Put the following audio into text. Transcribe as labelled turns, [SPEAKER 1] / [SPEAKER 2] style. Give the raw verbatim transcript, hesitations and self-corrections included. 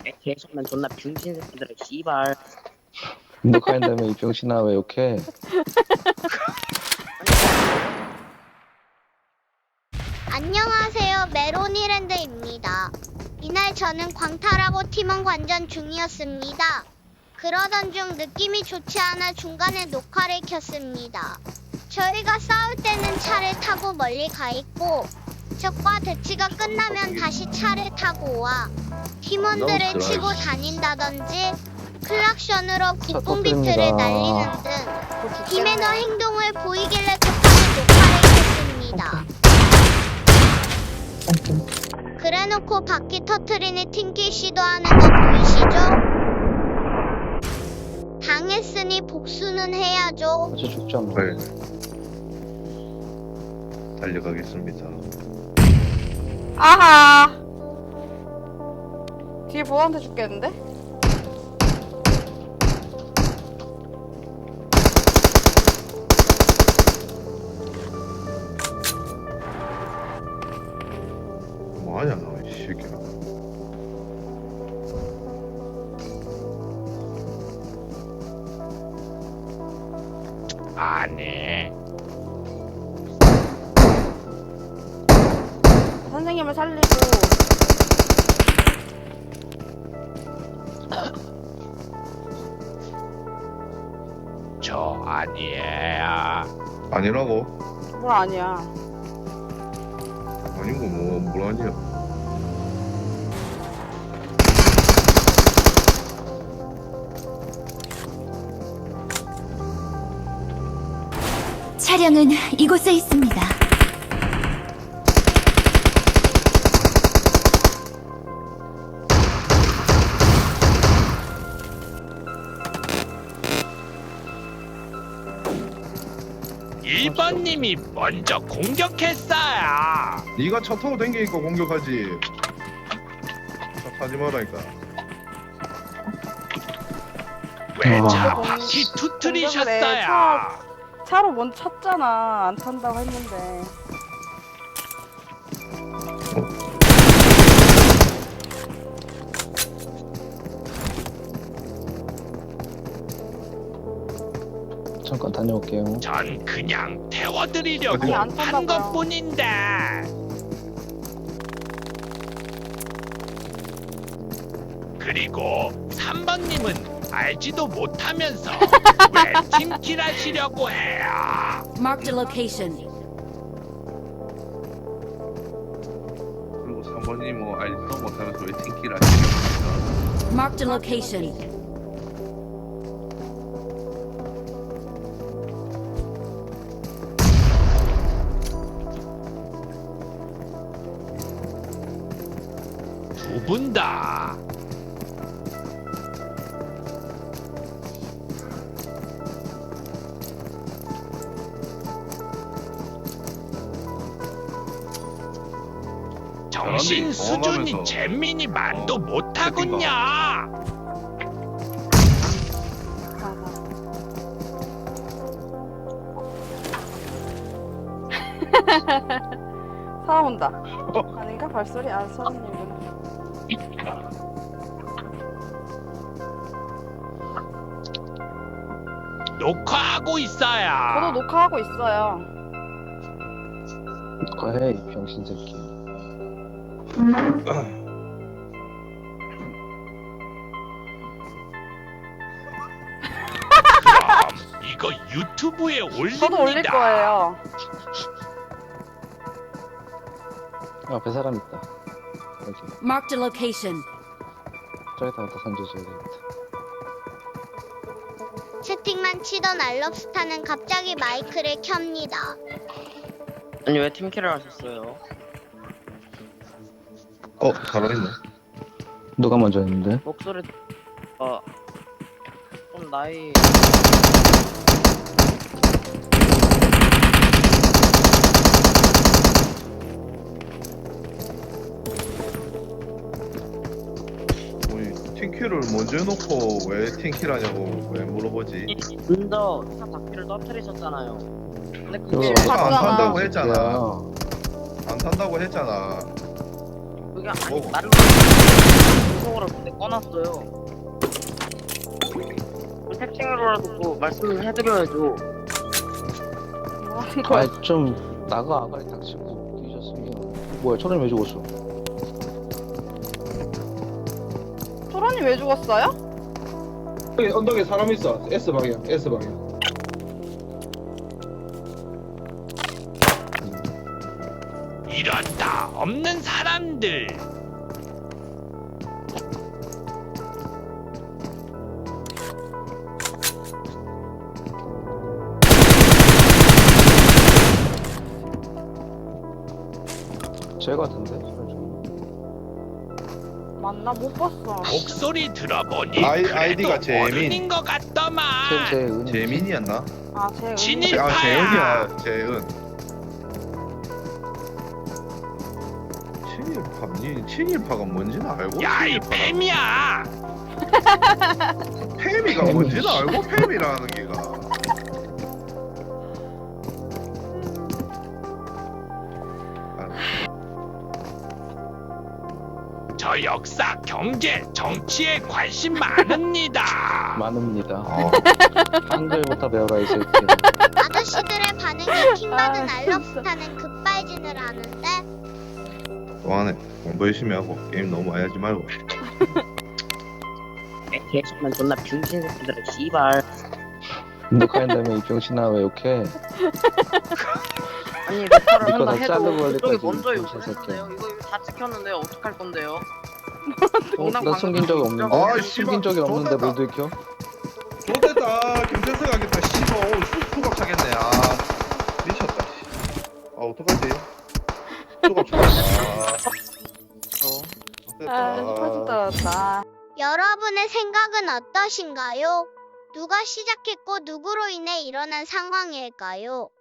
[SPEAKER 1] 계속만 존나 병신 새끼들아 씨발.
[SPEAKER 2] 녹화한다며 이 병신아 왜 욕해?
[SPEAKER 3] 안녕하세요, 메로니랜드입니다. 이날 저는 광탈하고 팀원 관전 중이었습니다. 그러던 중 느낌이 좋지 않아 중간에 녹화를 켰습니다. 저희가 싸울 때는 차를 타고 멀리 가 있고 적과 대치가 끝나면 다시 차를 타고 와 팀원들을 치고 다닌다든지 클락션으로 국뽕비트를 날리는 등 비매너 행동을 보이길래 급하게 녹화를 켰습니다. 그래놓고 바퀴 터트리니 튕길 시도하는 거 보이시죠? 당했으니 복수는 해야죠.
[SPEAKER 2] 어째 죽지 않나?
[SPEAKER 4] 네. 달려가겠습니다.
[SPEAKER 5] 아하. 뒤에 보한테 죽겠는데?
[SPEAKER 4] 뭐하냐 너 이 새끼야.
[SPEAKER 6] 안해.
[SPEAKER 5] 선생님을 살리고
[SPEAKER 6] 저 아니에요.
[SPEAKER 4] 아니라고?
[SPEAKER 5] 뭘 아니야.
[SPEAKER 4] 아니고 뭐뭘 아니야.
[SPEAKER 7] 차량은 이곳에 있습니다.
[SPEAKER 6] 일 번님이 먼저 공격했어요.
[SPEAKER 4] 네가 차 타고 댕기니까 공격하지. 차 타지 말라니까.
[SPEAKER 6] 왜
[SPEAKER 2] 아.
[SPEAKER 6] 차
[SPEAKER 5] 공-
[SPEAKER 6] 바퀴
[SPEAKER 5] 공격을 해.
[SPEAKER 6] 투트리셨어요?
[SPEAKER 5] 차- 차로 먼저 쳤잖아. 안 탄다고 했는데.
[SPEAKER 2] 잠깐 다녀올게요.
[SPEAKER 6] 전 그냥 태워드리려고
[SPEAKER 4] 아니,
[SPEAKER 5] 안
[SPEAKER 6] 한
[SPEAKER 5] 탄다고요.
[SPEAKER 6] 것뿐인데. 그리고 삼 번님은 알지도 못하면서 왜 팀킬 하시려고 해요?
[SPEAKER 7] Marked a location.
[SPEAKER 4] 그리고 삼 번이 뭐 알지도 못하면서 왜 팅키를 하시는
[SPEAKER 7] Marked a location.
[SPEAKER 6] 두 분 다. 정신
[SPEAKER 4] 사람들이
[SPEAKER 6] 수준이
[SPEAKER 4] 경험하면서
[SPEAKER 6] 잼민이만도
[SPEAKER 4] 어,
[SPEAKER 6] 못하군요.
[SPEAKER 5] 사람 온다. 아닌가? 발소리? 아, 선생님이구나.
[SPEAKER 6] 녹화하고 있어요.
[SPEAKER 5] 저도 녹화하고 있어요.
[SPEAKER 2] 녹화해 이 병신 새끼.
[SPEAKER 6] 그럼 이거 유튜브에 올립니다.
[SPEAKER 5] 저도 올릴 거예요.
[SPEAKER 2] 앞에 사람 있다. 여기
[SPEAKER 7] Marked a location.
[SPEAKER 2] 저기다 갖다 던져줘야 되겠다.
[SPEAKER 3] 채팅만 치던 알럽스타는 갑자기 마이크를 켭니다.
[SPEAKER 1] 아니 왜 팀킬을 하셨어요?
[SPEAKER 4] 어 살아있네.
[SPEAKER 2] 누가 먼저 했는데?
[SPEAKER 1] 목소리 어... 좀 나이...
[SPEAKER 4] 우리 팅키를 먼저 해놓고 왜 팅키를 하냐고 왜 물어보지?
[SPEAKER 1] 먼저 차 바퀴를 터뜨리셨잖아요. 근데 그게
[SPEAKER 2] 그거
[SPEAKER 4] 안
[SPEAKER 5] 봤잖아.
[SPEAKER 4] 탄다고 했잖아.
[SPEAKER 2] 야,
[SPEAKER 4] 안 탄다고 했잖아.
[SPEAKER 1] 그게 아니
[SPEAKER 4] 뭐?
[SPEAKER 1] 나를
[SPEAKER 5] 네.
[SPEAKER 1] 카톡으로 근데 꺼놨어요. 채팅으로라도 뭐 말씀을 해드려야죠.
[SPEAKER 5] 뭐라는 거야?
[SPEAKER 2] 아, 좀 나가 아가리 닥치고 뛰셨으면. 뭐야, 초롱이 왜 죽었어?
[SPEAKER 5] 초론이 왜 죽었어요?
[SPEAKER 8] 여기 언덕에 사람 있어. S 방향, S 방향.
[SPEAKER 6] 이런다 없는 사람들.
[SPEAKER 2] 쟤 같은데? 소리 좀.
[SPEAKER 5] 맞나? 못 봤어.
[SPEAKER 6] 목소리 들어보니
[SPEAKER 4] 아이-
[SPEAKER 6] 그래도
[SPEAKER 4] 아이디가 재민.
[SPEAKER 6] 어른인 것 같더만.
[SPEAKER 2] 쟤, 쟤 은이.
[SPEAKER 4] 재민이었나?
[SPEAKER 5] 아, 제
[SPEAKER 6] 진일-
[SPEAKER 5] 은
[SPEAKER 4] 아
[SPEAKER 6] 일파야.
[SPEAKER 4] 재은이야 재은. 친일파 니 친일파가 뭔지는 알고.
[SPEAKER 6] 야이
[SPEAKER 4] 친일파라고.
[SPEAKER 6] 뱀이야.
[SPEAKER 4] 페미가 뭔지는 알고 페미라는 게가.
[SPEAKER 6] 저 역사, 경제, 정치에 관심 많습니다.
[SPEAKER 2] 많습니다.
[SPEAKER 4] 어.
[SPEAKER 2] 한글부터 배워라, 이 새끼.
[SPEAKER 3] 아저씨들의 반응이 킹받은
[SPEAKER 5] 아,
[SPEAKER 3] 알럽스타는 급발진을 하는데
[SPEAKER 4] 동안에 공부 열심히 하고 게임 너무 많이 하지 말고.
[SPEAKER 1] 개X만 존나 빙신 새끼들의 씨발.
[SPEAKER 2] 녹화한다면 이 병신아 왜 욕해?
[SPEAKER 1] 아니 녹화를
[SPEAKER 2] 이거
[SPEAKER 1] 한다
[SPEAKER 2] 다
[SPEAKER 1] 해도
[SPEAKER 2] 자르고
[SPEAKER 1] 그쪽이
[SPEAKER 2] 할래까지
[SPEAKER 1] 먼저
[SPEAKER 2] 빙신
[SPEAKER 1] 욕을 했는데요. 이거 이거 다 찍혔는데요. 어떡할 건데요?
[SPEAKER 2] 어, 나 숨긴 적이 없는데?
[SPEAKER 4] 아,
[SPEAKER 2] 숨긴
[SPEAKER 4] 씨발,
[SPEAKER 2] 적이 없는데
[SPEAKER 4] 좋됐다.
[SPEAKER 2] 뭘 들켜?
[SPEAKER 4] 좋됐다. 김태수 가겠다. 씨발 오늘 수, 수갑 차겠네. 아 미쳤다. 씨. 아 어떡하지? 수갑 차겠다.
[SPEAKER 5] 아,
[SPEAKER 4] 좋됐다.
[SPEAKER 5] 터졌다, 터졌다.
[SPEAKER 3] 여러분의 생각은 어떠신가요? 누가 시작했고 누구로 인해 일어난 상황일까요?